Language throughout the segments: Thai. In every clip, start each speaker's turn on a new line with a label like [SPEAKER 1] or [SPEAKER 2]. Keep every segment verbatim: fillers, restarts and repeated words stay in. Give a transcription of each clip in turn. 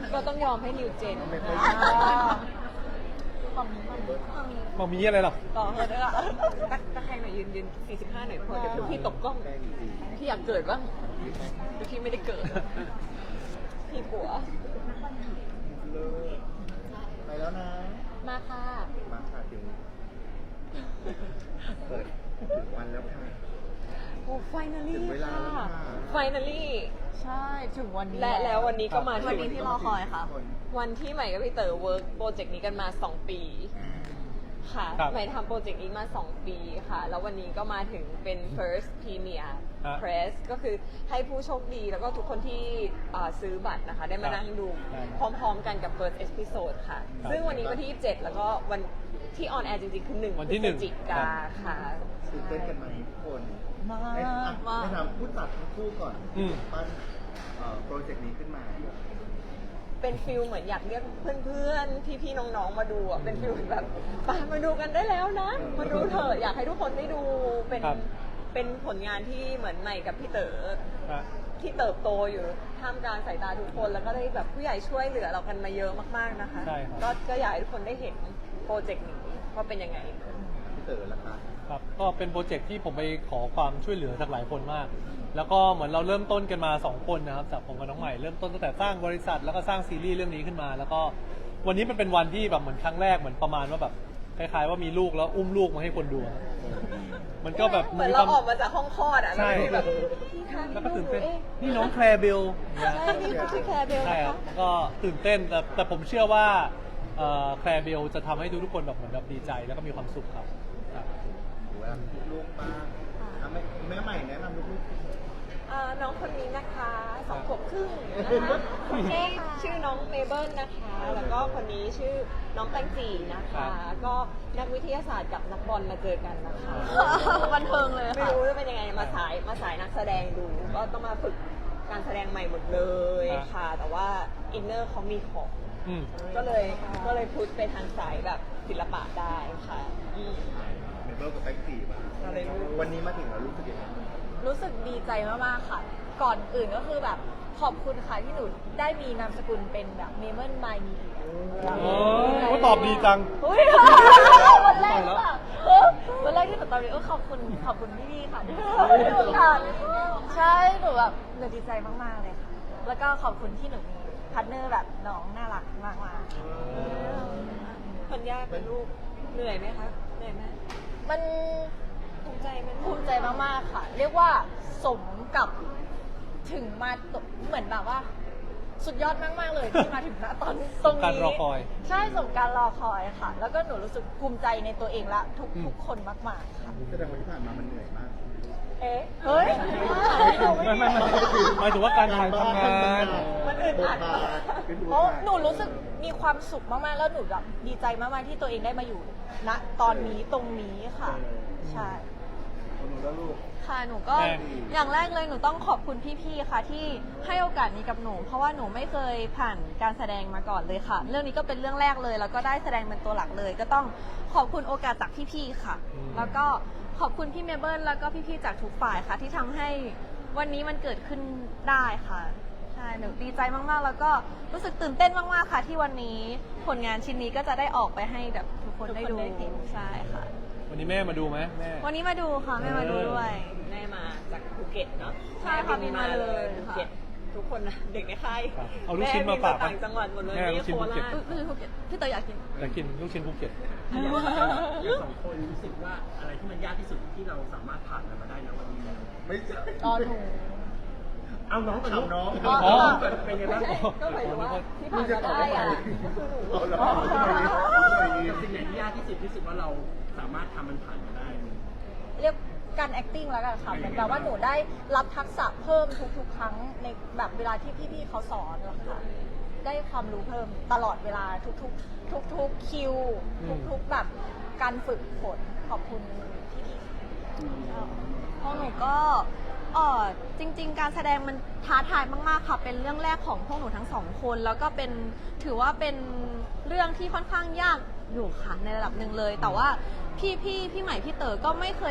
[SPEAKER 1] ก็ต้องยอมให้นิวเจน
[SPEAKER 2] ไม่ค่อย
[SPEAKER 1] ความนี้ความนี้
[SPEAKER 3] มามีอะไรหรอ
[SPEAKER 1] ต่อเลยด้วยอ่ะตักตะแคงหน่อยยืนยืนสี่สิบห้าหน่อยพอเดี๋ยวพี่ตกกล้องพี่อยากเกิดบ้างแต่พี่ไม่ได้เกิดพี่กลัว
[SPEAKER 2] ไปแล้วนะ
[SPEAKER 1] มาค่ะ
[SPEAKER 2] มาค่ะถึงเปิดถึงวันแล้วค่ะ
[SPEAKER 1] โอ้ finally
[SPEAKER 2] ถึงเวลา
[SPEAKER 1] ค่ะ
[SPEAKER 2] แล้วค่ะ
[SPEAKER 1] finally
[SPEAKER 4] ใช่ถึงวันนี้
[SPEAKER 1] และแล้ววันนี้ก็มา
[SPEAKER 4] วั
[SPEAKER 1] ถึ
[SPEAKER 4] น
[SPEAKER 1] ง
[SPEAKER 4] นี้ที่รอคอยค่ะ
[SPEAKER 1] วันที่ใหม่กับพี่เต๋อเวิร์กโปรเจกต์นี้กันมาสองปีค่ะ
[SPEAKER 3] ครับ
[SPEAKER 1] ใหม่ทำโปรเจกต์นี้มาสองปีค่ะ แล้ววันนี้ก็มาถึงเป็น first premiere
[SPEAKER 3] ฮะ
[SPEAKER 1] press ก็คือให้ผู้โชคดีแล้วก็ทุกคนที่อ่าซื้อบัตรนะคะ ได้มานั่งดู
[SPEAKER 3] ได้
[SPEAKER 1] พร้อมๆกันกับ first episode ค่ะ
[SPEAKER 3] ครับ
[SPEAKER 1] ซึ่งวันนี้วันที่ยี่สิบเจ็ดแล้วก็วันที่ออนแอร์จริงๆ คือหนึ่ง
[SPEAKER 3] วัน
[SPEAKER 1] พ
[SPEAKER 3] ที่
[SPEAKER 1] ฤ
[SPEAKER 3] หนึ่
[SPEAKER 1] ศ
[SPEAKER 3] ง
[SPEAKER 1] จิกาค่ะ
[SPEAKER 2] ตื่นเต้นกันไหมทุกคน
[SPEAKER 4] มา
[SPEAKER 2] ให้อ่ะ
[SPEAKER 4] มา
[SPEAKER 2] ให้ถามผู้จัดทั้งคู่ก่อน
[SPEAKER 3] อืม
[SPEAKER 2] ปั้นเอ่อโปรเจกต์นี้ขึ้นมา
[SPEAKER 1] เป็นฟิลเหมือนอยากเรียกเพื่อนๆ พี่ๆ น้องๆ มาดูอ่ะ เป็นฟิลแบบไปมาดูกันได้แล้วนะ มาดูเถอะอยากให้ทุกคนได้ดู เป็น
[SPEAKER 3] ครับ
[SPEAKER 1] เป็นผลงานที่เหมือนใหม่กับพี่เต๋อ
[SPEAKER 3] อ่ะ
[SPEAKER 1] ที่เติบโตอยู่ท่ามกลางสายตาทุกคน แล้วก็ได้แบบผู้ใหญ่ช่วยเหลือเรากันมาเยอะมากๆ นะคะ
[SPEAKER 3] ใช่ครับ
[SPEAKER 1] ก็ก็อยากให้ทุกคนได้เห็นโปรเจกต์นี้ว่าเป็นยังไง
[SPEAKER 2] พี่เต๋อละคะ
[SPEAKER 3] ครับก็เป็นโปรเจกต์ที่ผมไปขอความช่วยเหลือจากหลายคนมาก แล้วก็เหมือนเราเริ่มต้นกันมาสองคนนะครับจากผมกับน้องใหม่เริ่มต้นตั้งแต่สร้างบริษัทแล้วก็สร้างซีรีส์เรื่องนี้ขึ้นมา แล้วก็วันนี้มันเป็นวันที่แบบเหมือนครั้งแรกเหมือนประมาณว่าแบบคล้ายๆว่ามีลูกแล้วอุ้มลูกมาให้คนดูอะมันก็แบบ
[SPEAKER 1] เหมือน
[SPEAKER 3] มีค
[SPEAKER 1] เรา
[SPEAKER 3] วาม
[SPEAKER 1] ออกมาจากห้องคลอดอ่ะ
[SPEAKER 3] ใช่
[SPEAKER 1] แล้วก็แบบพี่คะ
[SPEAKER 3] แล้วก็ตื่นเต้น
[SPEAKER 1] อ๊ะ
[SPEAKER 3] นี่น้องแคลร์เบล
[SPEAKER 1] ใช่นี่คือชื่อแคร์เบล
[SPEAKER 3] ใช่
[SPEAKER 1] นะ
[SPEAKER 3] ครั
[SPEAKER 1] คะ
[SPEAKER 3] บก็ตื่นเต้นแต่แต่ผมเชื่อว่าเอ่อแคลร์เบลจะทำให้ทุกๆคนแบบเหมือนแบบดีใจแล้วก็มีความสุขครับครับ
[SPEAKER 2] หรือว่าลูกบ้างอ่ะแม่แม่ใหม่แนะนำลูก
[SPEAKER 1] อ่าน้องคนนี้นะคะสองขวบครึ่งนะคะคนนี้ชื่อน้องเมเบิลนะคะ แล้วก็คนนี้ชื่อน้องแตงจีนะคะ ก็นักวิทยาศาสตร์กับนักบอลมาเจอกันนะคะ
[SPEAKER 4] บันเทิงเลย
[SPEAKER 1] ไม่
[SPEAKER 4] ค่ะ
[SPEAKER 1] รู้จะเป็นยังไงมาสายมาสายนักแสดงดู ก็ต้องมาฝึกการแสดงใหม่หมดเลยค่ะ แต่ว่าอินเนอร์เขามีของ
[SPEAKER 3] อืม
[SPEAKER 1] ก็เลยก็เลยพุชไปทางสายแบบศิลปะได้ค่ะอืม
[SPEAKER 2] ๆเมเบิลกับแบ็กซี่มา
[SPEAKER 1] อะไรรู้
[SPEAKER 2] วันนี้มาถึงแล้วรู้สึกยังไง
[SPEAKER 4] รู้สึกดีใจมากๆค่ะ ก่อนอื่นก็คือแบบขอบคุณค่ะที่หนูได้มีนามสกุลเป็นแบบเมมเบอร์มายมีเดีย
[SPEAKER 3] โอ้ยตอบดีจัง
[SPEAKER 4] เฮ้ยวันแรกหรือเปล่าเออวันแรกที่หนูตอนนี้เออขอบคุณขอบคุณพี่ๆค่ะที่ให้โอกาสใช่หนูแบบหนูดีใจมากๆเลยค่ะ แล้วก็ขอบคุณที่หนูมีพาร์ทเนอร์แบบน้องน่ารักมากๆ
[SPEAKER 1] คนยากเป็นลูกเหนื่อยไหมคะเหนื่อยไหม
[SPEAKER 4] มัน
[SPEAKER 1] ภูมิใจไหม
[SPEAKER 4] ภูมิใจมากๆค่ะ เรียกว่าสมกับถึงมาตเหมือนแบบว่า สุดยอดมากๆเลยที่มาถึงณตอนตรงนี้
[SPEAKER 3] สมการรอคอย
[SPEAKER 4] ใช่สมการรอคอยค่ะ แล้วก็หนูรู้สึกภูมิใจในตัวเองและทุก
[SPEAKER 3] อืม
[SPEAKER 4] ทุกคนมากๆค่ะ
[SPEAKER 2] แสดงว่าที่ผ่านมามันเหนื่อยมาก
[SPEAKER 1] เอ๊ะ
[SPEAKER 4] เฮ้ย
[SPEAKER 3] ไม่ไม่ไม่หมายถึงว่าการถ่ายทำงาน
[SPEAKER 1] มันอึดอัด
[SPEAKER 2] บทบาทเป็นบท
[SPEAKER 4] เพราะ
[SPEAKER 2] บาท
[SPEAKER 4] หนูรู้สึกมีความสุขมากๆ แล้วหนูแบบดีใจมากๆที่ตัวเองได้มาอยู่ณตอนนี้ตรงนี้ค่ะ ใช่
[SPEAKER 2] คนหนูแล้วลูก
[SPEAKER 5] ค่ะหนูก็
[SPEAKER 3] แม่
[SPEAKER 5] อย่างแรกเลยหนูต้องขอบคุณพี่ๆค่ะที่ให้โอกาสนี้กับหนู เพราะว่าหนูไม่เคยผ่านการแสดงมาก่อนเลยค่ะ เรื่องนี้ก็เป็นเรื่องแรกเลย แล้วก็ได้แสดงเป็นตัวหลักเลย ก็ต้องขอบคุณโอกาสจากพี่ๆค่ะ
[SPEAKER 3] อืม
[SPEAKER 5] แล้วก็ขอบคุณพี่เมเบิลแล้วก็พี่ๆจากทุกฝ่ายค่ะ ที่ทำให้วันนี้มันเกิดขึ้นได้ค่ะใช่หนูดีใจมากๆ แล้วก็รู้สึกตื่นเต้นมากๆค่ะ ที่วันนี้ผลงานชิ้นนี้ก็จะได้ออกไปให้แบบทุกคนได้ดูใช่ค่ะ
[SPEAKER 3] วันนี้แม่มาดูไหมแม่
[SPEAKER 5] วันนี้มาดูค่ะแม่มาดูด้วย
[SPEAKER 1] แม่มาจากภูเก็ตเนาะ
[SPEAKER 5] ใช่ค่ะ
[SPEAKER 1] แม่บินมา
[SPEAKER 5] บินมา
[SPEAKER 1] เล
[SPEAKER 5] เลย ย
[SPEAKER 1] ภูเก็ตทุกคนนะเด็กในค่าย
[SPEAKER 3] ครับเอาลูกชิ้นมาฝาก
[SPEAKER 1] แบิต่างจังหวัดหมดเลย
[SPEAKER 3] แม่เอาลู
[SPEAKER 1] นี่
[SPEAKER 3] กชิ้น
[SPEAKER 1] โค
[SPEAKER 3] ภูเก็ต
[SPEAKER 1] ราช
[SPEAKER 5] อุ๊ยไม่ใช่ภูเก็ตพี่เต๋ออยากกิน
[SPEAKER 3] อยากกินลูกชิ้นภูเก็ต
[SPEAKER 6] อย่างสองคนรู้สึกว่าอะไรที่มันยากที่สุดที่เราสามารถผ่านมันมาได้นะวันนี้แล้ว
[SPEAKER 2] ไม่ใช่
[SPEAKER 4] ตอนหนู
[SPEAKER 6] เอาน้องก่อนลูก
[SPEAKER 2] ถามน้อง
[SPEAKER 6] อ๋อ
[SPEAKER 3] อ๋อ
[SPEAKER 6] เป็นไงบ้าง
[SPEAKER 1] ก็หมายถึงว่าที่
[SPEAKER 2] มึ
[SPEAKER 1] ผ่าง น
[SPEAKER 2] จะ
[SPEAKER 1] มา
[SPEAKER 2] ตอบ
[SPEAKER 1] ได้
[SPEAKER 2] ว่า
[SPEAKER 1] อะ
[SPEAKER 2] อะไร
[SPEAKER 1] คือหนู
[SPEAKER 2] เอาละ
[SPEAKER 6] สิ่งไหนที่ยากที่สุดที่รู้สึกว่าเราสามารถทำมันผ่านมาได้
[SPEAKER 4] เรียกการ acting แล้วกันค่ะเหมือนแบบว่าหนูได้รับทักษะเพิ่มทุกๆ ครั้งในแบบเวลาที่พี่ๆเขาสอนแล้วค่ะ ได้ความรู้เพิ่มตลอดเวลาทุกๆ ทุกๆคิว
[SPEAKER 3] อืม
[SPEAKER 4] ทุกๆแบบการฝึกฝนขอบคุณพี่ๆ
[SPEAKER 5] พวกหนูก็เออจริง ๆ การแสดงมันท้าทายมากๆค่ะ เป็นเรื่องแรกของพวกหนูทั้งสองคน แล้วก็เป็นถือว่าเป็นเรื่องที่ค่อนข้างยากอยู่ค่ะในระดับหนึ่งเลย แต่ว่าพี่พี่พี่ใหม่พี่เต๋อก็ไม่เคย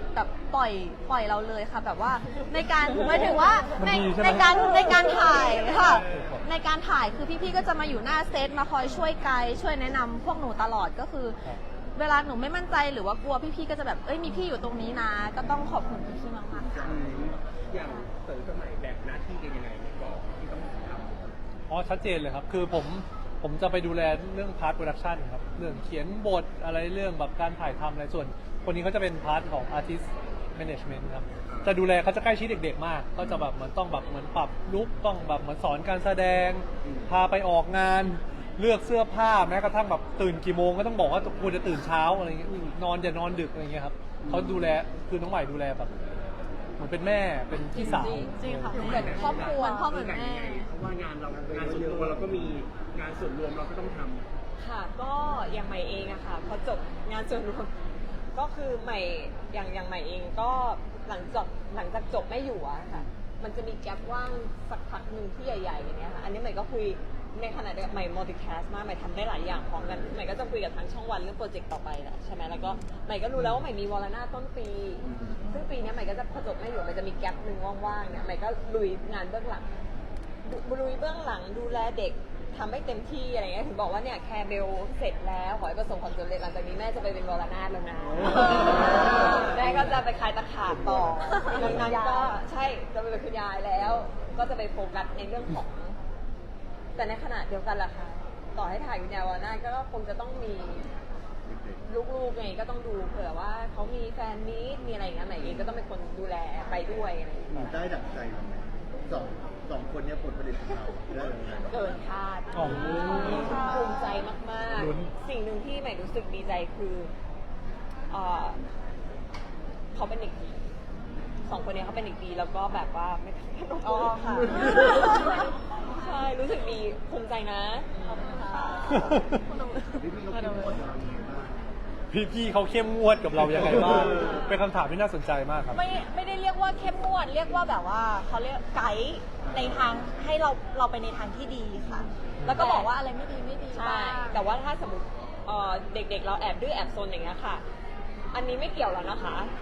[SPEAKER 5] แบบปล่อยปล่อยเราเลยค่ะ แบบว่าในการหมายถึงว่า
[SPEAKER 3] มัน
[SPEAKER 5] ใน
[SPEAKER 3] ดีใช่ไหม
[SPEAKER 5] ในการในการถ่ายค่ะ ในการถ่ายคือพี่ๆก็จะมาอยู่หน้าเซตมาคอยช่วยไกด์ช่วยแนะนำพวกหนูตลอดก็คือ เวลาหนูไม่มั่นใจหรือว่ากลัวพี่ๆก็จะแบบเอ้ยมีพี่อยู่ตรงนี้นะ ก็ต้องขอบคุณพี่ๆมากๆค่ะ
[SPEAKER 6] อย่างเต๋อกับใหม่แบ่งหน้าที่กันยังไงในกองที่ต้องทำ
[SPEAKER 3] อ๋อชัดเจนเลยครับ คือผมผมจะไปดูแลเรื่องพาร์ทโปรดักชันครับ เรื่องเขียนบทอะไรเรื่องแบบการถ่ายทำอะไรส่วน คนนี้เขาจะเป็นพาร์ทของ artist management ครับ จะดูแลเขาจะใกล้ชิดเด็กๆมาก ก็จะแบบเหมือนต้องแบบเหมือนปรับลุคต้องแบบเหมือนสอนการแสดง พาไปออกงาน เลือกเสื้อผ้าแม้กระทั่งแบบตื่นกี่โมงก็ต้องบอกว่าควรจะตื่นเช้าอะไรเงี้ยนอนอย่านอนดึกอะไรเงี้ยครับเขาดูแลคือน้องใหม่ดูแลแบบเหมือนเป็นแม่เป็นพี่สาว
[SPEAKER 5] จริงค่ะเหมือนครอบครัวเหมือนพ่อเหมือนแม่
[SPEAKER 6] เพราะว่างานเรางานส่วนตัวเราก็มีงานส่วนรวมเราก็ต้องทำ
[SPEAKER 1] ค่ะก็อย่างใหม่เองอะค่ะพอจบงานส่วนรวมก็คือใหม่อย่างอย่างใหม่เองก็หลังจากหลังจากจบไม่อยู่อะค่ะมันจะมีแกลบว่างสักพักหนึ่งที่ใหญ่ๆอย่างเงี้ยค่ะอันนี้ใหม่ก็คุยในขณะเดียวกันใหม่ multicast มากใหม่ทำได้หลายอย่างพร้อมกันใหม่ก็จะคุยกับทางช่องวันเรื่องโปรเจกต์ต่อไปแหละใช่ไหมแล้วก็ใหม่ก็รู้แล้วว่าใหม่มีวอลนาต้นปี ซึ่งปีนี้ใหม่ก็จะพอจบไม่อยู่ใหม่จะมีแกลบหนึ่งว่างๆเนี่ยใหม่ก็ลุยงานเบื้องหลังลุยเบื้องหลังดูแลเด็กทำให้เต็มที่อะไรเงี้ยถึงบอกว่าเนี่ยแคร์เบลเสร็จแล้วขอให้ประสบความสำเร็จหลังจากนี้แม่จะไปเป็นวรนาถแล้วนะแม่ก็จะไปคลายตะขาบต่อดังนั้นก็ใช่จะไปเป็นคุณยายแล้ว ก็จะไปโฟกัสในเรื่องของ แต่ในขณะเดียวกันล่ะค่ะต่อให้ถ่ายวิญญาณวรนาถก็คงจะต้องมีลูกๆไงก็ต้องดูเผื่อว่าเขามีแฟนมีตมีอะไรอย่างเงี้ยใหม่เองก็ต้องเป็นคนดูแลไปด้วยอะไรอย่างเงี้ย
[SPEAKER 2] ได้ดั่งใจเราไหมสองสองคนเนี้ผลผลิตของเราได้ยังไง
[SPEAKER 1] เกินคาด
[SPEAKER 3] อ๋อ
[SPEAKER 1] ภูมิใจมาก
[SPEAKER 3] ลุ้น
[SPEAKER 1] ๆ สิ่งหนึ่งที่ใหม่รู้สึกดีใจคือเอ่อเขาเป็นเด็กดีสองคนนี้เขาเป็นเด็กดีแล้วก็แบบว่าไม่ทำขนม
[SPEAKER 5] อ๋อค่ะ
[SPEAKER 1] ใช่รู้สึกดีภูมิใจนะขอบคุณค่ะ
[SPEAKER 2] พี่พี่เขาคิดหมดเรายังไงบ้าง
[SPEAKER 3] พี่ๆเขาเข้มงวดกับเรายังไงบ้างเป็นคำถามที่น่าสนใจมากครับ
[SPEAKER 4] ไม่ไม่ได้เรียกว่าเข้มงวดเรียกว่าแบบว่าเขาเรียกไกด์ในทางให้เราเราไปในทางที่ดีค่ะ แล้วก็บอกว่าอะไรไม่ดีไม่ดี
[SPEAKER 1] ใช่
[SPEAKER 4] บ้าง
[SPEAKER 1] แต่ว่าถ้าสมมติเอ่อเด็กๆ เราแอบดื้อแอบซนอย่างเงี้ยค่ะ อันนี้ไม่เกี่ยวแล้วนะคะ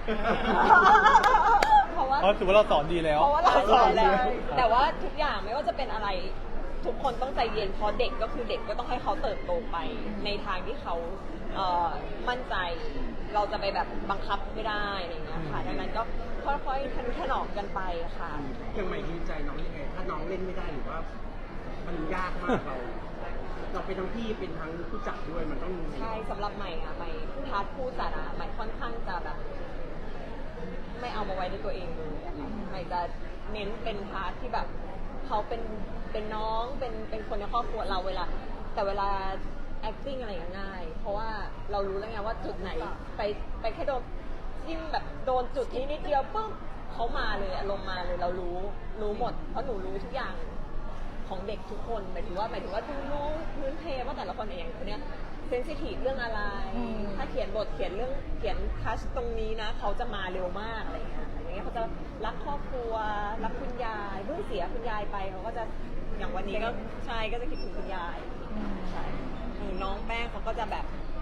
[SPEAKER 1] เพราะว่า
[SPEAKER 3] เพราะถือว่าเราสอนดีแล้ว
[SPEAKER 1] เพราะว่าเราสอนแล้ว แต่ว่าทุกอย่างไม่ว่าจะเป็นอะไรทุกคนต้องใจเย็นเพราะเด็กก็คือเด็กก็ต้องให้เขาเติบโตไปในทางที่เขาเอ่อมั่นใจ เราจะไปแบบบังคับไม่ได้อะไรอย่างเงี้ยค่ะดังนั้นก็ค่อยๆทะนุถนอมกันไปค่ะ
[SPEAKER 6] อย่างใหม่ดีใจน้องยังไง ถ้าน้องเล่นไม่ได้หรือว่า มันยากมากเรา เราเป็นทั้งพี่เป็นทั้งผู้จัดด้วยมันต้อง
[SPEAKER 1] ใช่สำหรับใหม่อะใหม่พาร์ทผู้จัดอะใหม่ค่อนข้างจะแบบ ไม่เอามาไว้ในตัวเองเลยอะค่ะใหม่จะเน้นเป็นพาร์ทที่แบบเขาเป็นเป็นน้องเป็นเป็นคนในครอบครัวเราเวลา แต่เวลา acting อะไรอย่างเงี้ยง่าย เพราะว่าเรารู้แล้วไงว่าจุดไหนไปไปแค่โดนจิ้มแบบโดนจุดนี้นิดเดียวปุ๊บเขามาเลยอารมณ์มาเลยเรารู้รู้หมด เพราะหนูรู้ทุกอย่างของเด็กทุกคนหมายถึงว่าหมายถึงว่าดูรู้พื้นเพว่าแต่ละคนอย่างคนเนี้ยเซนซิทีฟเรื่องอะไร ถ้าเขียนบทเขียนเรื่องเขียนทัชตรงนี้นะเขาจะมาเร็วมากอะไรอย่างเงี้ยอย่างเงี้ยเขาจะรักครอบครัวรักคุณยายเพิ่งเสียคุณยายไปเขาก็จะอย่างวันนี้ก็ใช่ก็จะคิดถึงคุณยายใช่หรือน้องแป้งเขาก็จะแบบ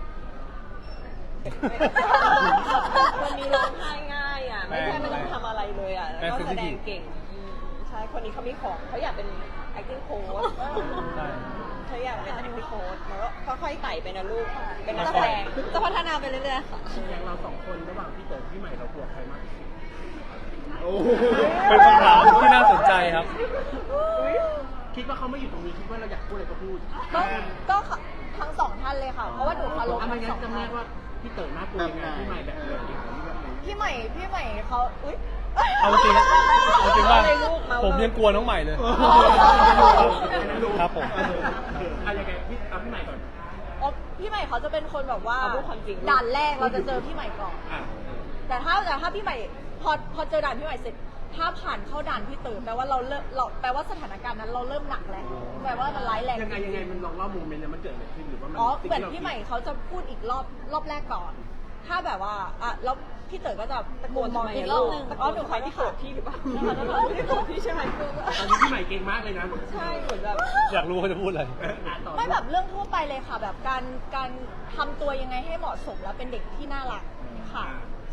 [SPEAKER 1] คนนี้ร้องไห้ง่ายอ่ะไม่ใช่ไม่ต้องทำอะไรเลยอ่ะแล้วก็แสดงเก่งอืมใช่คนนี้เขามีของเขาอยากเป็น acting coach
[SPEAKER 3] ใช่
[SPEAKER 1] เขาอยากเป็น acting coach แล้วก็ค่อยๆไต่ไปนะลูกเป็นนักแสดง
[SPEAKER 5] จะพัฒนาไปเรื่อยๆค่ะ
[SPEAKER 6] อย่างเราสองคนระหว่างพี่เต๋อพี่ใหม่เรากลัวใครมากที่สุด
[SPEAKER 2] โอ้โห
[SPEAKER 3] เป็นคำถามที่น่าสนใจครับ
[SPEAKER 6] คิดว่าเขาไม่อยู่ตรงนี้คิดว่าเราอยากพูดอะไรก็พูด
[SPEAKER 4] ก็ก็ทั้งสองท่านเลยค่ะ เพราะว่าหนูเคารพ
[SPEAKER 6] อ่ะไม่
[SPEAKER 4] ทั้ง
[SPEAKER 6] งั้
[SPEAKER 4] สอน ง
[SPEAKER 6] จำแน
[SPEAKER 4] ท่าน
[SPEAKER 6] กว่าพี่เต๋อน่ากลัวยังไงพี่ใหม่แบบไหน
[SPEAKER 4] พี่ใหม่พี่ใหม่เขาอุ้ย
[SPEAKER 3] เอาจริงเอาจริงว่าผมยังกลัวน้องใหม่เลย ครับผม
[SPEAKER 6] อะยังไงพี่เอาพี่ใหม่ก่อน
[SPEAKER 4] อ๋อพี่ใหม่เขาจะเป็นคนแบบว่า
[SPEAKER 1] เอาพูดความจริง
[SPEAKER 4] ด่านแรกเราจะเจอพี่ใหม่ก่อน
[SPEAKER 6] อ่ะ
[SPEAKER 4] แต่ถ้าแต่ถ้าพี่ใหม่พอพอเจอด่านพี่ใหม่เสร็จ ถ้าผ่านเข้าด่านพี่เต๋อแปลว่าเราเริ่มเราแปลว่าสถานการณ์นั้นเราเริ่มหนักแล้วแปลว่ามันร้ายแรง
[SPEAKER 6] ยังไงยังไงมันลองเล่าโมเมนต์นั้นมันเกิดอะไรขึ้นหรือว่ามัน
[SPEAKER 4] อ๋อ
[SPEAKER 6] สิ่ง
[SPEAKER 4] เหมือน
[SPEAKER 6] ที่รา
[SPEAKER 4] พี่ใหม่เขาจะพูดอีกรอบรอบแรกก่อน ถ้าแบบว่าอ่ะแล้วพี่เต๋อก็จะ
[SPEAKER 1] ตะโกน
[SPEAKER 4] ม
[SPEAKER 1] ทำ
[SPEAKER 4] อง
[SPEAKER 1] ไม
[SPEAKER 4] อีก
[SPEAKER 1] อะ
[SPEAKER 4] รอ
[SPEAKER 1] ลู
[SPEAKER 4] บ
[SPEAKER 1] ก
[SPEAKER 4] หนึง
[SPEAKER 1] ตะโก
[SPEAKER 4] อ๋อน หนู
[SPEAKER 1] ใครที่โกรธพี่หรือเปล่าไม่ได้โกรธพี่ใช่ไหม
[SPEAKER 6] ตอนนี้พี่ใหม่เก่งมากเลยนะ
[SPEAKER 1] ใช่เหมือนแบบ
[SPEAKER 3] อยากรู้เขาจะพูดอะไร
[SPEAKER 6] อ่ะต่อ
[SPEAKER 4] ไม่แบบเรื่องทั่วไปเลยค่ะ แบบการการทำตัวยังไงให้เหมาะสมแล้วเป็นเด็กที่น่ารักค่ะ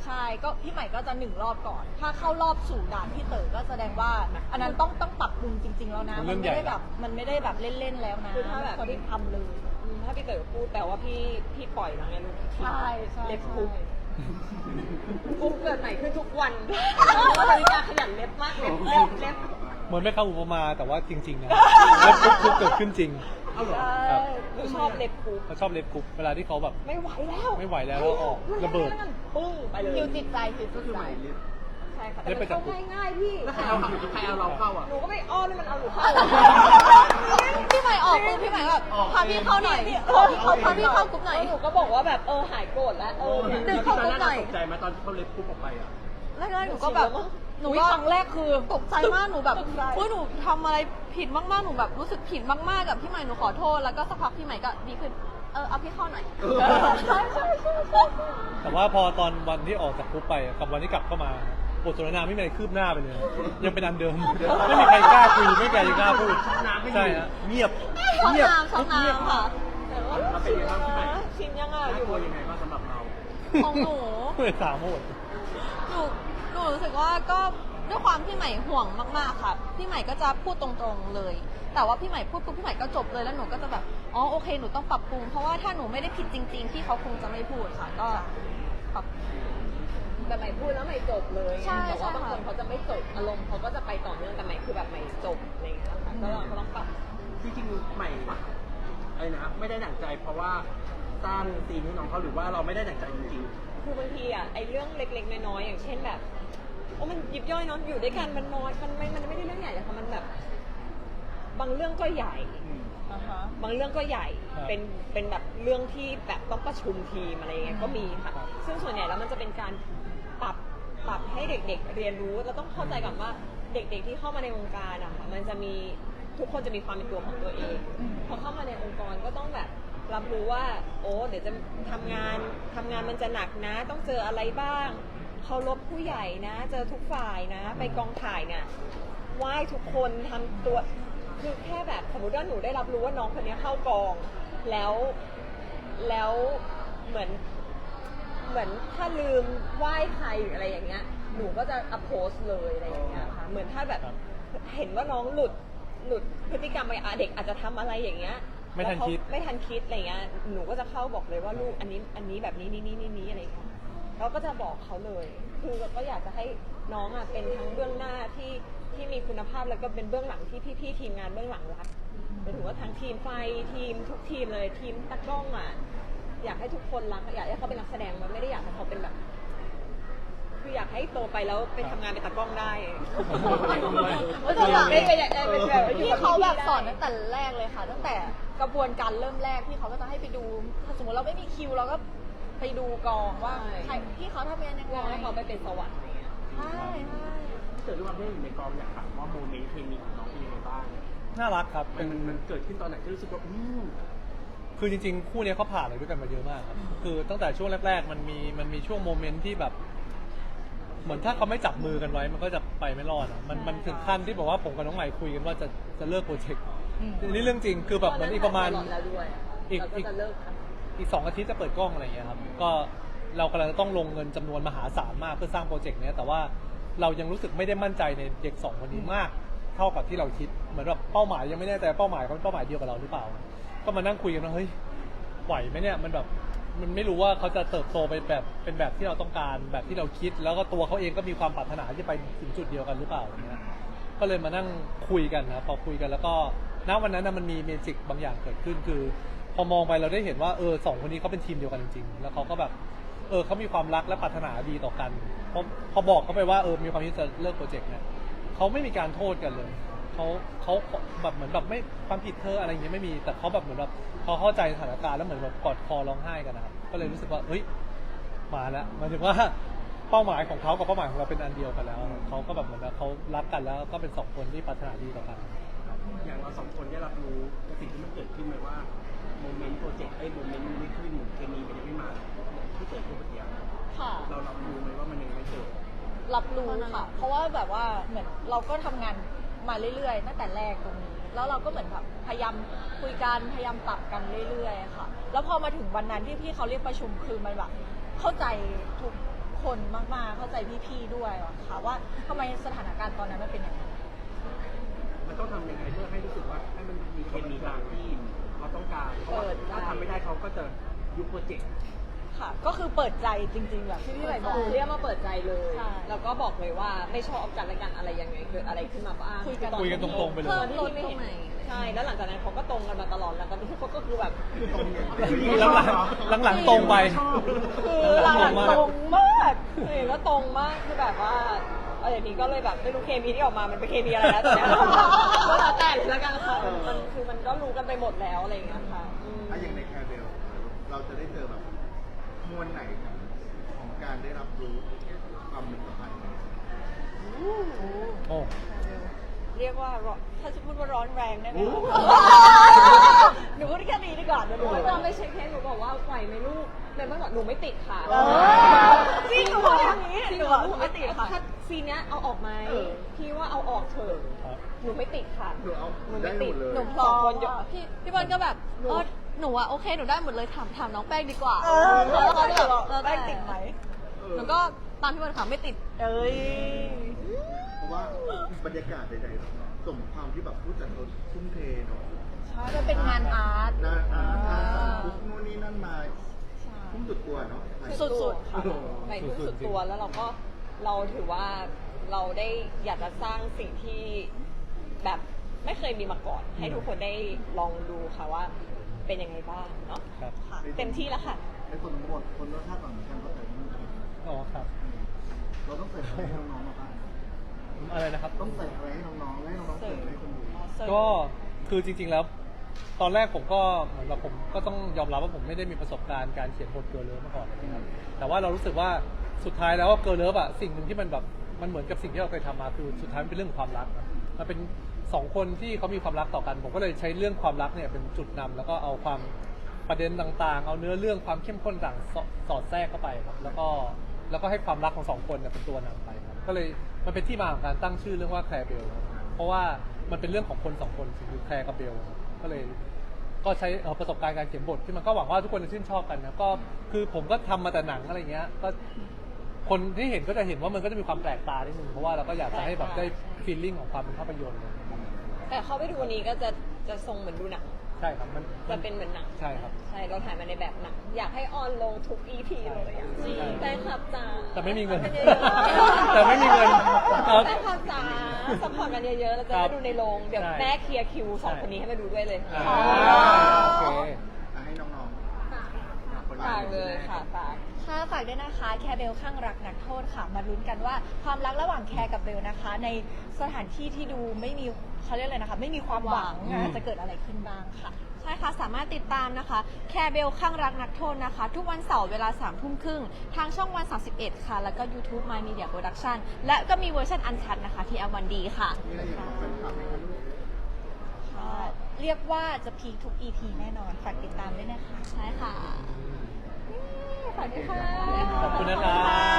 [SPEAKER 4] ใช่ก็พี่ใหม่ก็จะหนึ่งรอบก่อน ถ้าเข้ารอบสู่ด่านพี่เต๋อก็แสดงว่า อันนั้นต้องต้องปรับปรุงจริง ๆ แล้วนะ
[SPEAKER 3] มันเรื่
[SPEAKER 4] มั
[SPEAKER 3] อน ง
[SPEAKER 4] ไม่
[SPEAKER 3] ใหญ่
[SPEAKER 4] ได้แบบมันไม่ได้แบบเล่นๆแล้วนะ
[SPEAKER 1] คือถ้าแบบ
[SPEAKER 4] คนที่ทำเลย
[SPEAKER 1] อืมถ้าพี่เต๋อพูดแปลว่าพี่พี่ปล่อยน้องแอน
[SPEAKER 4] ใช่ใช่
[SPEAKER 1] เล็บ
[SPEAKER 4] ใช่
[SPEAKER 1] คุกคุกเกิดใหม่ขึ้นทุกวันเพราะว่านาฬิกาขยันเล็บมากเล็บเล็บเล็บ
[SPEAKER 3] เหมือนไม่เข้าอุปมาแต่ว่าจริงๆนะเล็บคุกเกิดขึ้นจริง
[SPEAKER 6] เอาเหรอ
[SPEAKER 3] ครับ
[SPEAKER 1] หนูชอบเล็บคุก
[SPEAKER 3] เขาชอบเล็บคุกเวลาที่เขาแบบ
[SPEAKER 1] ไม่ไหวแล้ว
[SPEAKER 3] ไม่ไหวแล้วแล้วออกระเบิด
[SPEAKER 1] ปึ้งไปเลย
[SPEAKER 4] ฮิวจิตใจฮิว
[SPEAKER 6] ก็
[SPEAKER 4] จิต
[SPEAKER 6] คือ
[SPEAKER 4] ใจ
[SPEAKER 6] ใหม่เล็บ
[SPEAKER 1] ใช่ค่ะ
[SPEAKER 3] เล็
[SPEAKER 1] แต่
[SPEAKER 3] บไป
[SPEAKER 1] มัน
[SPEAKER 3] จับ
[SPEAKER 1] เข้าง่ายๆพี่
[SPEAKER 6] แล้วใครเอาใครเอาเราเข้าอ่ะ
[SPEAKER 1] หนูก็ไม่อ้อนให้มันเอาหนูเข้า
[SPEAKER 4] พี่ใหม่ออกปุ๊บพี่ใหม่ก็แบบ
[SPEAKER 6] ออก
[SPEAKER 4] พาพี่เข้าหน่อย
[SPEAKER 1] พี่
[SPEAKER 4] พาพี่เข้าพาพี่เข้ากรุ๊ปหน่อย
[SPEAKER 1] แล้วหนูก็บอกว่าแบบเออหายโกรธแล้วเออเนี่ย
[SPEAKER 4] ดึง
[SPEAKER 6] ต
[SPEAKER 4] เข้า
[SPEAKER 6] อน
[SPEAKER 4] กรุ๊
[SPEAKER 6] นั้
[SPEAKER 4] ป
[SPEAKER 6] น
[SPEAKER 4] หน่
[SPEAKER 6] เรา
[SPEAKER 4] อย
[SPEAKER 6] ตกใจไหมตอนที่เขาเล็บปุ๊บออกไปอ่ะ
[SPEAKER 4] แรกๆหนูก็แบบหนูก็ครั้งแรกคือตกใจมากหนูแบบเฮ้ยหนูทำอะไรผิดมากๆหนูแบบรู้สึกผิดมากๆกับพี่ใหม่หนูขอโทษแล้วก็สักพักพี่ใหม่ก็ดีขึ้นเออเอาพี่เข้าหน่อย
[SPEAKER 6] เออ
[SPEAKER 4] ใช่ใช่ใช่ใช่
[SPEAKER 3] แต่ว่าพอตอนวันที่ออกจากคุกไปกับวันที่กลับเข้ามาบทสนทนาไม่มีอะไรคืบหน้าไปเลย ยังเป็นอันเดิม ไม่มีใครกล้าคุยไม่มีใครกล้าพูด
[SPEAKER 6] น้ำไม่มี
[SPEAKER 3] ใช่ฮะเงียบ
[SPEAKER 4] ช่อง
[SPEAKER 3] เงียบ
[SPEAKER 4] น้ำช่อง
[SPEAKER 3] เงียบ
[SPEAKER 4] น้ำค่ะ
[SPEAKER 1] แต่ว่า
[SPEAKER 6] เราเป็นยังไงบ้างพี่ใหม่
[SPEAKER 1] ชินยังอ่ะอ
[SPEAKER 6] น่า
[SPEAKER 1] ยู่
[SPEAKER 6] กลัวยังไงบ้างสำหรับเรา
[SPEAKER 4] ของหนู
[SPEAKER 3] เพื่อสามโหด
[SPEAKER 4] หนูหนูรู้สึกว่าก็ด้วยความพี่ใหม่ห่วงมากๆค่ะพี่ใหม่ก็จะพูดตรงๆเลย แต่ว่าพี่ใหม่พูดปุ๊บพี่ใหม่ก็จบเลยแล้วหนูก็จะแบบอ๋อโอเคหนูต้องปรับปรุงเพราะว่าถ้าหนูไม่ได้ผิดจริงๆพี่เขาคงจะไม่พูดค่ะ ก็ปรับ
[SPEAKER 1] แต่ใหม่พูดแล้วใหม่จบเลย
[SPEAKER 4] ใช่
[SPEAKER 1] แต่ว่า
[SPEAKER 4] ใช่
[SPEAKER 1] บางคน
[SPEAKER 4] ค่ะ
[SPEAKER 1] เขาจะไม่จบอารมณ์เขาก็จะไปต่อเนื่องแต่ใหม่คือแบบใหม่จบอะไรอย่างเงี้ยค่ะก็เราก็ต้องปรับ
[SPEAKER 6] จริงๆใหม่อะไรนะไม่ได้หนังใจ เพราะว่าสร้างซีนให้น้องเขาหรือว่าเราไม่ได้หนังใจจริง
[SPEAKER 1] คือบางทีอ่ะไอ้เรื่องเล็กๆน้อยๆอย่างเช่นแบบโอ้มันยิบย่อยเนาะอยู่ด้วยกันมันน้อยมันไม่มันไม่ได้เรื่องใหญ่แต่ค่ะมันแบบ บางเรื่องก็ใหญ่ บางเรื่องก็ใหญ่
[SPEAKER 3] ครับ
[SPEAKER 1] เป็น เป็นแบบเรื่องที่แบบต้องประชุมทีมอะไรเงี้ย ก็มีค่ะ
[SPEAKER 3] ครับ
[SPEAKER 1] ซึ่งส่วนใหญ่แล้วมันจะเป็นการปรับ ปรับให้เด็กๆ เรียนรู้ เราต้องเข้าใจก่อนว่าเด็กๆ ที่เข้ามาในวงการอะค่ะ มันจะมีทุกคนจะมีความเป็นตัวของตัวเอง พอเข้ามาในองค์กรก็ต้องแบบรับรู้ว่า โอ้เดี๋ยวจะทำงานทำงานมันจะหนักนะ ต้องเจออะไรบ้าง เคารพผู้ใหญ่นะ เจอทุกฝ่ายนะ ไปกองถ่ายเนี่ยไหว้ทุกคนทำตัว คือแค่แบบสมมติว่าหนูได้รับรู้ว่าน้องคนนี้เข้ากองแล้วแล้วเหมือนเหมือนถ้าลืมไหว้ใครหรืออะไรอย่างเงี้ยหนูก็จะอัพโพสเลยอะไรอย่างเงี้ยค่ะเหมือนถ้าแบบ
[SPEAKER 3] ครับ
[SPEAKER 1] เห็นว่าน้องหลุดหลุดพฤติกรรมไปอ่ะเด็กอาจจะทำอะไรอย่างเงี้ย
[SPEAKER 3] ไม่ทัน
[SPEAKER 1] แล้วเขา
[SPEAKER 3] คิด
[SPEAKER 1] ไม่ทันคิดอะไรเงี้ยหนูก็จะเข้าบอกเลยว่าลูกอันนี้อันนี้แบบนี้นี่นี่นี่นี่อะไรอย่างเงี้ยเราก็จะบอกเขาเลย คือก็อยากจะให้น้องอ่ะเป็นทั้งเบื้องหน้าที่ที่มีคุณภาพแล้วก็เป็นเบื้องหลังที่พี่ๆทีมงานเบื้องหลังรักหมายถึงว่าทั้งทีมไฟทีมทุกทีมเลยทีมตากล้องอ่ะอยากให้ทุกคนรักอยากให้เขาเป็นนักแสดงมันไม่ได้อยากให้เขาเป็นแบบ คืออยากให้โตไปแล้วไปทำงานเป็นตากล้องได้
[SPEAKER 4] เออแต่แบบ
[SPEAKER 1] ไม่ไม่อยากได้เป็นแบบอยู่
[SPEAKER 4] พี่
[SPEAKER 1] กับ
[SPEAKER 4] เขาแบบ
[SPEAKER 1] ได้
[SPEAKER 4] สอนตั้งแต่แรกเลยค่ะ ตั้งแต่กระบวนการเริ่มแรกพี่เขาก็จะให้ไปดูถ้าสมมติเราไม่มีคิวเราก็ไปดูกองว่าใครพี่เขาทำงานยังไง
[SPEAKER 1] รอให้เขาไปเป็นสวรรค์อะไรเงี้ย
[SPEAKER 4] ใช่ใช่
[SPEAKER 6] ๆที่เกิดด้วยความที่อยู่ในกองอยากถามว่าโมเมนต์เคมีของน้องเป็นยังไงบ้าง
[SPEAKER 3] น่ารักครับ
[SPEAKER 6] มั
[SPEAKER 3] เป็น น
[SPEAKER 6] มันมันเกิดขึ้นตอนไหนที่รู้สึกว่าอืม
[SPEAKER 3] คือจริงๆ คู่เนี้ยเขาผ่านอะไรด้วยกันมาเยอะมากครับ คือตั้งแต่ช่วงแรก ๆ มันมีมันมีช่วงโมเมนต์ที่แบบ เหมือนถ้าเขาไม่จับมือกันไว้ มันก็จะไปไม่รอดอะมันมันถึงขั้นที่บอกว่าผมกับน้องใหม่คุยกันว่าจะจะเลิกโปรเจกต์นี่เรื่องจริง คือแบบเหมือนอีกประมาณ
[SPEAKER 1] ตนนั้นถ่ยตลอดแล้วด้วย
[SPEAKER 3] อีก
[SPEAKER 1] เราก็จะเลิกค่ะ
[SPEAKER 3] อีกสองอาทิตย์จะเปิดกล้องอะไรอย่างเงี้ยครับ ก็เรากำลังจะต้องลงเงินจำนวนมหาศาลมากเพื่อสร้างโปรเจกต์เนี้ยแต่ว่าเรายังรู้สึกไม่ได้มั่นใจในเด็กสองคนนี้มาก เท่ากับที่เราคิด เหมือนแบบเป้าหมายยังไม่แน่ใจเป้าหมายเขาเป็นเป้าหมายเดียวกับเราหรือเปล่า ก็มานั่งคุยกันว่าเฮ้ยไหวไหมเนี่ยมันแบบมันไม่รู้ว่าเขาจะเติบโตไปแบบเป็นแบบที่เราต้องการแบบที่เราคิด แล้วก็ตัวเขาเองก็มีความปรารถนาที่จะไปถึงจุดเดียวกันหรือเปล่าอย่างเงี้ยก็เลยมานั่งคุยกันนะพอคุยกันแล้วก็ณวันนั้นนะมันมีเมจิกบางอย่างเกิดขึ้นคือ พอมองไปเราได้เห็นว่าเออสองคนนี้เขาเป็นทีมเดียวกันจริงๆแล้วเขาก็แบบเออเขามีความรักและปรารถนาดีต่อกันพอพอบอกเขาไปว่าเออมีความคิดจะเลิกโปรเจกต์เนี่ยเขาไม่มีการโทษกันเลยเขาเขาแบบเหมือนแบบไม่ความผิดเธออะไรอย่างเงี้ยไม่มีแต่เขาแบบเหมือนแบบเขาเข้าใจสถานการณ์แล้วเหมือนแบบกอดคอร้องไห้กันนะครับก็เลยรู้สึกว่าเฮ้ยมาแล้วหมายถึงว่าเป้าหมายของเขากับเป้าหมายของเราเป็นอันเดียวกันแล้วเขาก็แบบเหมือนว่าเขารักกันแล้วก็เป็นสองคนที่ปรารถนาดีต่อกัน
[SPEAKER 6] อย่างเราสองคนได้รับรู้กับสิ่งที่มันเกิดขึ้นไหมว่าโมเมนต์โปรเจกต์ไอ้โมเมนต์มันไม่ขึ้นเคมีมันยังไม่มาที่เกิดขึ้นเมื่อกี้
[SPEAKER 4] ค่ะ
[SPEAKER 6] เรารับรู้ไหมว่ามันยังไม่เกิด
[SPEAKER 4] รับรู้ค่ะ เพราะว่าแบบว่าเหมือนเราก็ทำงานมาเรื่อยๆตั้งแต่แรกตรงนี้ แล้วเราก็เหมือนแบบพยายามคุยกันพยายามปรับกันเรื่อยๆค่ะ แล้วพอมาถึงวันนั้นที่พี่เขาเรียกประชุมคือมันแบบเข้าใจทุกคคนมากๆเข้าใจพี่ๆด้วยอะค่ะว่าทำไมสถานการณ์ตอนนั้นมันเป็นอย่างนั้น
[SPEAKER 6] มันต้องทำยังไงเพื่อให้รู้สึกว่าให้มันมีเคมีตามที่เราต้องการเพราะว่าถ้าทำไม่ได้เขาก็จะยุบโปรเจกต์
[SPEAKER 4] ค่ะ ก็คือเปิดใจจริงๆแบบที่พี่ใหม่บอก
[SPEAKER 1] เรียกมาเปิดใจเลย
[SPEAKER 4] ใช่
[SPEAKER 1] แล้วก็บอกเลยว่าไม่ชอบกันและกันอะไรยังไงเกิดอะไรขึ้นมาบ้าง
[SPEAKER 4] คุยกัน
[SPEAKER 3] คุยกันตรงๆไปเลย
[SPEAKER 1] ตอนที่พี่ไม่เห็นใช่ แล้วหลังจากนั้นเขาก็ตรงกันมาตลอดแล้วก็ทุกคนก็คือแบบ
[SPEAKER 2] ตรงอย่าง
[SPEAKER 3] หลังๆหลังๆตรงไป
[SPEAKER 1] คือหลังๆตรงมากเห็นว่าตรงมากคือแบบว่าเอออย่างนี้ก็เลยแบบไม่รู้เคมีที่ออกมามันเป็นเคมีอะไรแล้วแต่เนี้ยก็แล้วแต่เลยละกันค่ะมันมันคือมันก็รู้กันไปหมดแล้วอะไรอย่างเงี้ยค่ะอืม
[SPEAKER 2] ถ้าอย่างในแคร์เบลเราจะได้เจอแบบมวลไหนของของการได้รับรู้ความเป็นสัมพันธ์
[SPEAKER 3] โอ้
[SPEAKER 1] เรียกว่าร้อนถ้าจะพูดว่าร้อนแรงได้ไหม
[SPEAKER 4] หนูพูดแค่นี้ดีกว่าหนู
[SPEAKER 1] หนู
[SPEAKER 4] ไม่
[SPEAKER 1] ไม่
[SPEAKER 4] ต้
[SPEAKER 1] ต้
[SPEAKER 4] อ
[SPEAKER 1] อง งไม่ใช่แค่หนูบอกว่าไหวไหมลูกแต่เมื่อก่อนหนูไม่ติดค่ะ
[SPEAKER 4] เออจริงหนูบอกอย่างนี้
[SPEAKER 1] จริง
[SPEAKER 4] หนู
[SPEAKER 1] เหรอ
[SPEAKER 4] หนูไม่ติดค่ะ
[SPEAKER 1] ถ้าซีนเนี้ยเอาออกไหม
[SPEAKER 2] เออ
[SPEAKER 1] พี่ว่าเอาออกเถอะ
[SPEAKER 3] ครับ
[SPEAKER 1] หนูไม่ติดค่ะ
[SPEAKER 2] หนูเอา
[SPEAKER 1] หนู
[SPEAKER 2] ได้
[SPEAKER 1] ไม่
[SPEAKER 2] ห
[SPEAKER 1] ติ
[SPEAKER 2] ม
[SPEAKER 1] ด
[SPEAKER 2] ดเลย
[SPEAKER 1] หนูสองคนเดียว
[SPEAKER 5] พี่พี่บอลก็แบบเออหนูอะโอเคหนูได้หมดเลยถามถามน้องแป้งดีกว่า
[SPEAKER 4] เออ
[SPEAKER 5] แล้วเขาก็แบบ
[SPEAKER 4] เออแป้งติดไหม
[SPEAKER 5] หนูก็ตามพี่บอลค่ะไม่ติด
[SPEAKER 4] เอ้ย
[SPEAKER 2] เพราะว่าบรรยากาศใดๆสมความที่แบบผู้จัดเขาทุ่มเทเนาะ
[SPEAKER 4] ใช่มันเป็นงานอาร์ต
[SPEAKER 2] งานอาร์ต
[SPEAKER 4] อ่า
[SPEAKER 2] งานสั่งคุกนู่นนี่นั่นมาทุ่มสุดตัวเนาะ
[SPEAKER 4] สุดๆค่ะ
[SPEAKER 1] ใหม่ทุ่มสุดตัวแล้วเราก็เราถือว่าเราได้อยากจะสร้างสิ่งที่แบบไม่เคยมีมาก่อน ให้ทุกคนได้ลองดูค่ะว่าเป็นยังไงบ้างเนาะ
[SPEAKER 3] ครับ
[SPEAKER 1] ค่ะเต็มที่แล้วค่ะ
[SPEAKER 2] ในคนทั้งหมดคนรสชาติต่างเหมือนกันก็แต่ไม่เหมือนกัน
[SPEAKER 3] อ๋อครับ
[SPEAKER 2] เราต้องใส่อะไรให้น้องๆมาบ้าง
[SPEAKER 3] อะไรนะครับ
[SPEAKER 2] ต้องใส่อะไรให้น้องๆและให้น้องๆเสิร์ฟให้คนดู
[SPEAKER 3] ก็คือจริงๆแล้ว ตอนแรกผมก็เหมือนกับผมก็ต้องยอมรับว่าผมไม่ได้มีประสบการณ์การเขียนบทเกิร์ลเลิฟมาก่อนนะครับแต่ว่าเรารู้สึกว่าสุดท้ายแล้วเกิร์ลเลิฟอะสิ่งหนึ่งที่มันแบบมันเหมือนกับสิ่งที่เราเคยทำมาคือสุดท้ายมันเป็นเรื่องของความรักนะมันเป็นสองคนที่เขามีความรักต่อกัน ผมก็เลยใช้เรื่องความรักเนี่ยเป็นจุดนำแล้วก็เอาความประเด็นต่างๆ เอาเนื้อเรื่องความเข้มข้นต่างสอสอดแทรกเข้าไปครับแล้วก็แล้วก็ให้ความรักของสองคนเนี่ยเป็นตัวนำไปครับก็เลยมันเป็นที่มาของการตั้งชื่อเรื่องว่าแคร์เบลเพราะว่ามันเป็นเรื่องของคนสองคนคือแคร์กับเบลครับก็เลย ก็ใช้เอ่อประสบการณ์การเขียนบทที่มันก็หวังว่าทุกคนจะชื่นชอบกันนะก็คือผมก็ทำมาแต่หนังอะไรเงี้ยก็คนที่เห็นก็จะเห็นว่ามันก็จะมีความแปลกตานิดนึงเพราะว่าเราก็อยากจะให้แบบได้ฟีลลิ่งของความเป็นภาพยนตร์เลย
[SPEAKER 1] แต่เข้าไปดูวันนี้ก็จะจะทรงเหมือนดูหนัง
[SPEAKER 3] ใช่ครับมัน
[SPEAKER 1] จะเป็นเหมือนหนัง
[SPEAKER 3] ใช่ครับ
[SPEAKER 1] ใช่เราถ่ายมาในแบบหนังอยากให้ออนลงทุก อี พี เลยอ่ะ
[SPEAKER 3] ใช่
[SPEAKER 1] แฟนคลับจ๋า
[SPEAKER 3] แต่ไม่มีเงิน
[SPEAKER 1] ซัพพอร์ตกันเยอะๆ
[SPEAKER 3] แต่ไม่มีเงินครับ
[SPEAKER 1] แฟนคลับจ๋าสปอร์ตกันเยอะๆเราจะ
[SPEAKER 3] ครั
[SPEAKER 1] ได้
[SPEAKER 3] บ
[SPEAKER 1] ดูในโรงเดี๋ยว
[SPEAKER 3] ใช่
[SPEAKER 1] แม่เคลียร์คิวสอง
[SPEAKER 3] ใช่
[SPEAKER 1] คนนี้ให้มาดูด้วยเลย
[SPEAKER 3] อ่าโอเค
[SPEAKER 2] อ่ะให้น้องๆ
[SPEAKER 1] ฝากเลยค่ะฝาก
[SPEAKER 4] ค่ะฝากด้วยนะคะแคร์เบลข้างรักนักโทษค่ะ มาลุ้นกันว่าความรักระหว่างแคร์กับเบลนะคะ ในสถานที่ที่ดูไม่มีเขาเรียกอะไรนะคะ ไม่มีความหวัง
[SPEAKER 3] อืม
[SPEAKER 4] จะเกิดอะไรขึ้นบ้างค่ะ
[SPEAKER 5] ใช่ค่ะ สามารถติดตามนะคะ แคร์เบลข้างรักนักโทษนะคะ ทุกวันเสาร์เวลาสามทุ่มครึ่งทางช่องวันสามสิบเอ็ดค่ะ แล้วก็ YouTube My Media Production และก็มีเวอร์ชันอันชัดนะคะที่ แอล วัน ดี ค่ะ
[SPEAKER 2] มีอะไรอยากบอกแฟนคลับไหมคะลูก
[SPEAKER 4] ค่ะเรียกว่าจะพีคทุก อี พี แน่นอน ฝากติดตามด้วยนะคะ
[SPEAKER 5] ใช่ค่ะ
[SPEAKER 4] ฝากด้วยค่ะ
[SPEAKER 3] ขอบคุณนะครับ